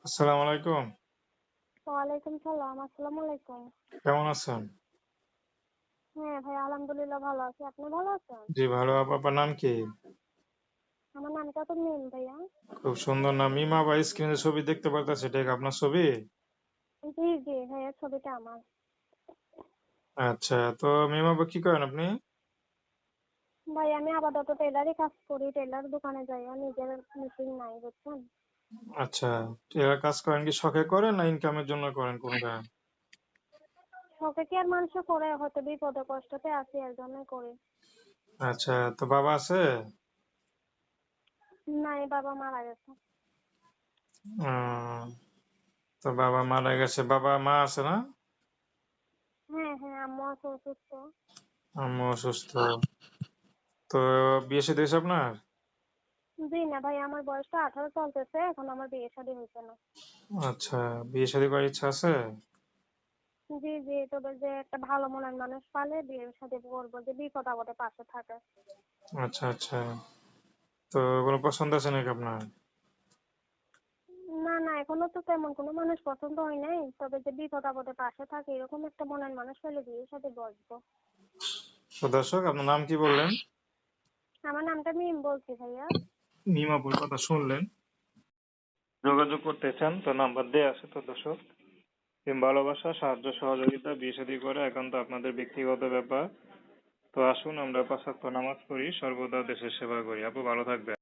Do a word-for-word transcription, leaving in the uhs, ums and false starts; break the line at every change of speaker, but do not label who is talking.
আসসালামু আলাইকুম।
ওয়ালাইকুম সালাম। আসসালামু আলাইকুম।
কেমন আছেন?
হ্যাঁ ভাই, আলহামদুলিল্লাহ ভালো আছি। আপনি ভালো আছেন?
জি ভালো। আপু আপনার নাম কি?
আমার নামটা তো মিম ভাইয়া।
খুব সুন্দর নাম। মিমা বা স্ক্রিনে ছবি দেখতে পারতেছি, এটা কি আপনার ছবি?
জি জি ভাইয়া, ছবিটা আমার।
আচ্ছা, তো মিমা আপা কি করেন আপনি?
ভাই আমি আপাতত টেলারই কাজ করি, টেলার দোকানে যাই, আর নিজের মেশিন নাই বুঝছেন।
আচ্ছা, এরা কাজ করেন কি শখে করেন না ইনকামের জন্য করেন কোনটা?
শখে কি আর মানুষ করে, হয়তো বিপদে কষ্টতে আছি এর জন্যই করি।
আচ্ছা, তো বাবা আছে?
নাই, বাবা মারা গেছে।
উম, তো বাবা মারা গেছে, বাবা মা আছে না?
হ্যাঁ হ্যাঁ, আম্মু আছে অসুস্থ।
আম্মু অসুস্থ। তো বিয়ে শাদী হয়েছে আপনার?
জি না ভাই, আমার বয়সটা আঠারো চলতেছে, এখন আমার বিয়ে শাদী হয়েছে না।
আচ্ছা, বিয়ে শাদী করার ইচ্ছা আছে?
জি জি, তবে যে একটা ভালো মনের মানুষ পালে বিয়ে শাদী করবো, যে বিপদ আপদে পাশে থাকে।
আচ্ছা আচ্ছা, তো কোনো পছন্দ আছে নাকি আপনার?
না না, এখনো তো তেমন কোনো মানুষ পছন্দ হয় নাই, তবে যে বিপদ আপদে পাশে থাকে এরকম একটা মনের মানুষ পেলে বিয়ের সাথে বসবো।
তো দর্শক, আপনার নাম কি বললেন?
আমার নামটা মিম বলছি ভাইয়া।
মিমাপুর কথা শুনলেন। যোগাযোগ করতে চান তো নাম্বার দেয়া আছে। তো দর্শক, প্রেম ভালোবাসা সাহায্য সহযোগিতা বিয়ে শাদী করে একান্ত আপনাদের ব্যক্তিগত ব্যাপার। তো আসুন আমরা পাঁচ ওয়াক্ত নামাজ পড়ি, সর্বদা দেশের সেবা করি। আপু ভালো থাকবেন।